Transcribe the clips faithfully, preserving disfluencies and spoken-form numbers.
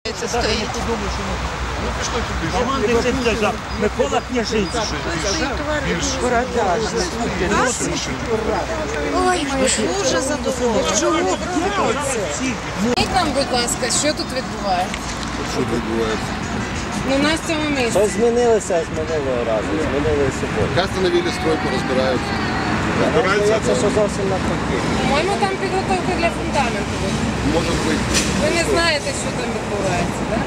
Стоїть. Микола Княжицький. Ой, дуже задоволена. Скажіть нам, будь ласка, що тут відбувається? Що відбувається? Ну, на цьому місці. Що змінилося з минулого разу? Змінили суботу. Як встановили стройку, розбираються. Це що зовсім навпаки. По-моєму, там підготовка для фундаменту. Може бути. Ви не знаєте, що там відбувається, так?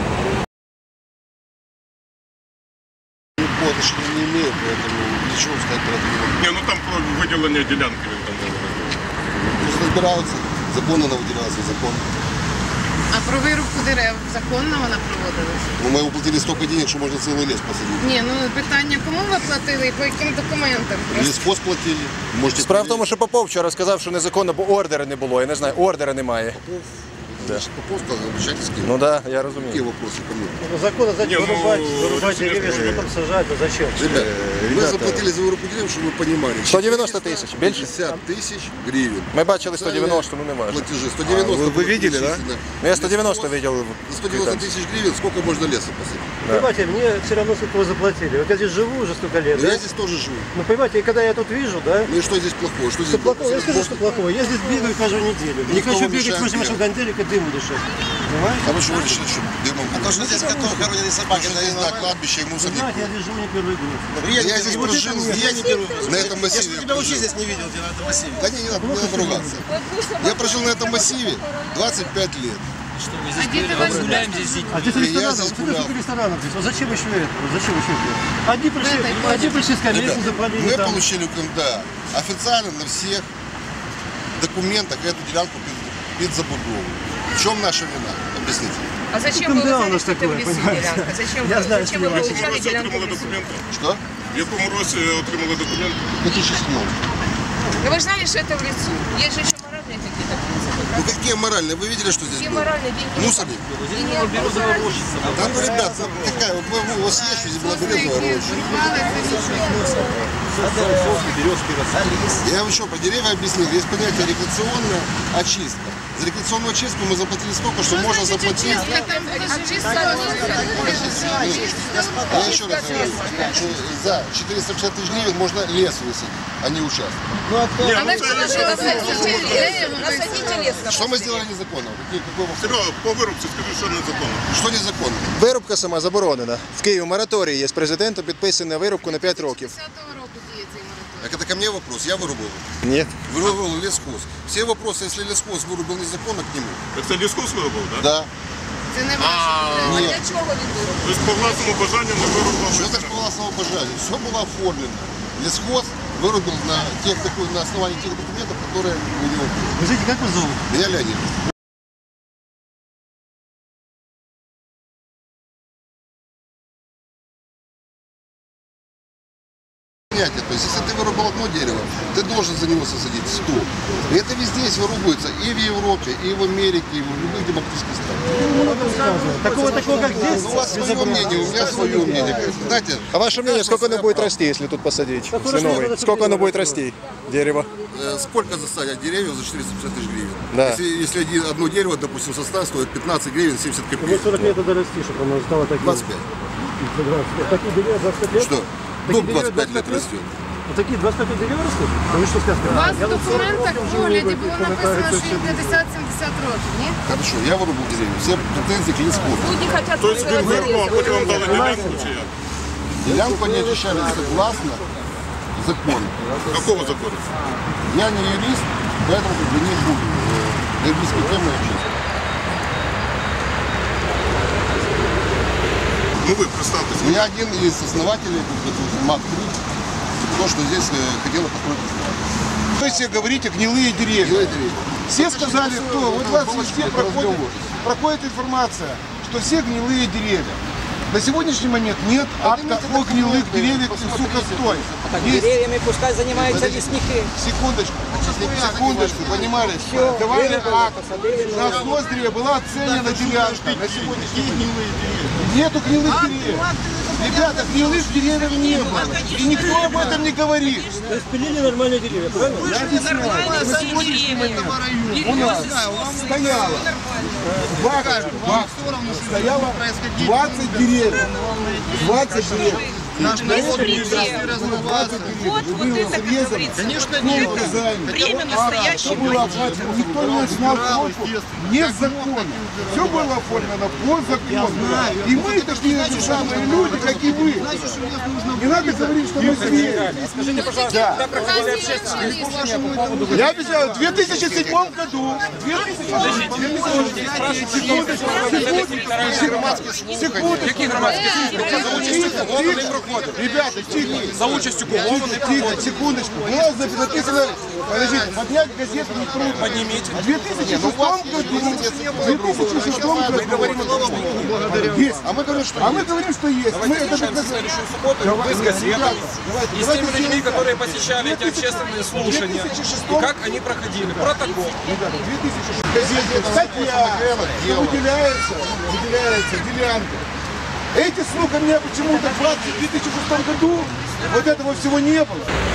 Подошли не имеют, поэтому ничего сказать про это не могу. Не, ну там про виділення ділянки він там говорив. Пусть разбираются, законно она выделялась, незаконно. А про вирубку дерев законно вона проводилась? Ну, мы уплатили столько денег, что можно целый лес посадить. Ні, ну питання, кому ви платили і по яким документам? Лесхоз платили. Можете Справа в тому, що Попов вчора сказав, що незаконно, бо ордера не було. Я не знаю, ордера немає. Значит, Попов сказал, обращайтесь к нему. Ну так, да, я розумію. Какие вопросы ко мне? Законно Ні, зачем ну, вырубать, вырубать рішення деревья, своє. что там сажать, а зачем? Ребят, мы ребята. заплатили за вырубку деревьев, чтобы вы понимали. сто девяносто тысяч, больше? пятьдесят тысяч гривен. Ми бачили сто девяносто, ну не важно. Платежи. сто девяносто. А, вы- вы было видели, да? перечислено. Ну я сто девяносто видел. За сто девяносто тысяч гривен сколько можно леса посадить? Понимаете, мне все равно сколько вы заплатили. Вот я здесь живу уже столько лет, Но да? я здесь тоже живу. Ну, понимаете, и когда я тут вижу, да? Ну и что здесь плохого? Что здесь Что плохого? Я скажу, что плохого. Я здесь бегаю каждую неделю. Не Никто хочу вам бегать мешает возле вашего бегать. гантелика, дыму дышать. Понимаете? А вы что вы решили, что дымом? А то, что здесь готовы хоронили собаки, здесь, да, кладбище и Вы мусорник. знаете, я здесь живу не первый год. Я здесь прожил, я не беру. На этом массиве. Я тебя вообще здесь не видел, где на этом массиве. Да не, не надо, не надо ругаться. Я прожил на этом массиве двадцать пять лет. Что, мы здесь гуляем здесь. А здесь Я ресторанов, здесь сколько гулял. ресторанов здесь? Вот зачем еще это? Вот зачем еще это? Одни пришли, одни пришли с колесом, Ребят, заплатили мы там. получили КМДА официально на всех документах эту делянку под забудову. В чем наша вина? Объясните. А зачем Там ви да, у нас залишите такое, в лісі понимаете? ділянку? Зачем Я ви, знаю, зачем что ви я В вилучали якому році ділянку в отримали лісі? документи? Что? В якому році отримали документи? В две тысячи седьмом. Ну вы же знали, что это в лесу. Есть же еще моральные какие-то принципы, Ну правда? какие моральные? Вы видели, что здесь Какие было? моральные деньги? Мусорник. И не обрушиться. Да ну, ребят, какая, вот вы- вы- у вас есть, что здесь была березовая роща? Я вам еще про деревья объяснил. Есть понятие рекреационная очистка. За рекреационную очистку мы заплатили столько, что можно заплатить. Я еще раз говорю, что за четыреста пятьдесят тысяч гривен можно лес высадить, а не участок. А вы что, насадите лес? Что мы сделали незаконно? Какие, какой вопрос? Серега, по вирубці скажи, що незаконно. Что незаконно? Вирубка сама заборонена. В Києві мораторій є з президентом, підписаний на вирубку на п'ять років. Так это ко мне вопрос, я вырубал. Ні. Вырубал лесхоз. Все вопросы, если лесхоз вырубил незаконно, к нему. Так це ліскус вирубав, так? Да. Це не ваше. А Ні. для чого він вирубав? Тобто по власному бажанню не вирубав. Что так по властному пожару? Все было оформлено. Лесхоз вырубил на, тех, на основании тех документов, которые у него были. Вы знаете, как вас зовут? Меня Леонид. Понятие, то есть если ты вырубал одно дерево, ты должен за него сосадить сто. И это везде есть вырубается, и в Европе, и в Америке, и в любых демократических странах. Такого, такого, как здесь? Ну, у вас свое мнение, у меня свое мнение. Знаете, А ваше мнение, сколько оно будет расти, если тут посадить сосновый? Сколько оно будет расти, дерево? э, сколько засадят деревьев за четыреста пятьдесят тысяч гривен? Да. Если, если один- одно дерево, допустим, состав стоит пятнадцать гривен, семьдесят Ну, копеек. сорок лет надо расти, чтобы оно стало таким. двадцать пять. двадцать пять. Такие деревья двадцать пять лет? Что? Такие Дуб деревья двадцать пять лет двадцать пять растет. Вот такие двадцать пять лет деревья растут? Ну вы что сказали? У вас Я в вот сорок документах років в живу, огляді ви було коментарі написано, це що все їм п'ятдесят-сімдесят років, ні? Хорошо, я вырубил деревья. Все претензии к лесхозу. Люди хотят Тобто він вирубав, а потім вам дали ділянку чи як? Делянку они очищали согласно закону. Какого закону? Я не юрист, поэтому как бы не буду э, юридической темой общаться. Ну ви представтеся. Я один из основателей МАК-три, то, что здесь э, хотела построить ресторан. То есть вы говорите гнилые деревья. Гнилые деревья. Все сказали, кто? Вот у вас везде проходит, проходит информация, что все гнилые деревья. На сегодняшний момент нет акта о гнилых деревьях в Сухостой. Есть... Деревьями пускай занимаются лесники. Секундочку, секундочку, понимали? Давали акт. На снос деревья была оценена делянка. На сегодняшний день нету гнилых деревьев. Ребята, гнилых деревьев не было. И никто об этом не говорит. То есть пилили нормальные деревья, правильно? Я объясняю, на сегодняшний момент у нас стояло стояло двадцать деревьев. двадцать деревьев. Вот, вот это, как говорится, конечно, нет. Время настоящее. Никто не снял кнопку незаконно. Все было оформлено по закону. И мы такие же самые люди, как и вы. Не надо говорить, что мы звери. Скажите, пожалуйста, когда проходили общественные слушания по поводу... Я обещаю, в две тысячи седьмом году, Какие громадские слушания? ребята, тихо, За участью кого? тихо, тихо, секундочку. Было написано, подождите, поднять газету не трудно. Поднимите. В две тысячи шестом году, в две тысячи шестом году, есть. А мы говорим, что, а мы говорим, что есть. Мы это доказали. Вы с газетой и с теми людьми, которые посещали эти общественные слушания. И как они проходили. Протокол. Статья выделяется, выделяется делянка. Эти, сука, мне почему-то в две тысячи шестом году вот этого всего не было.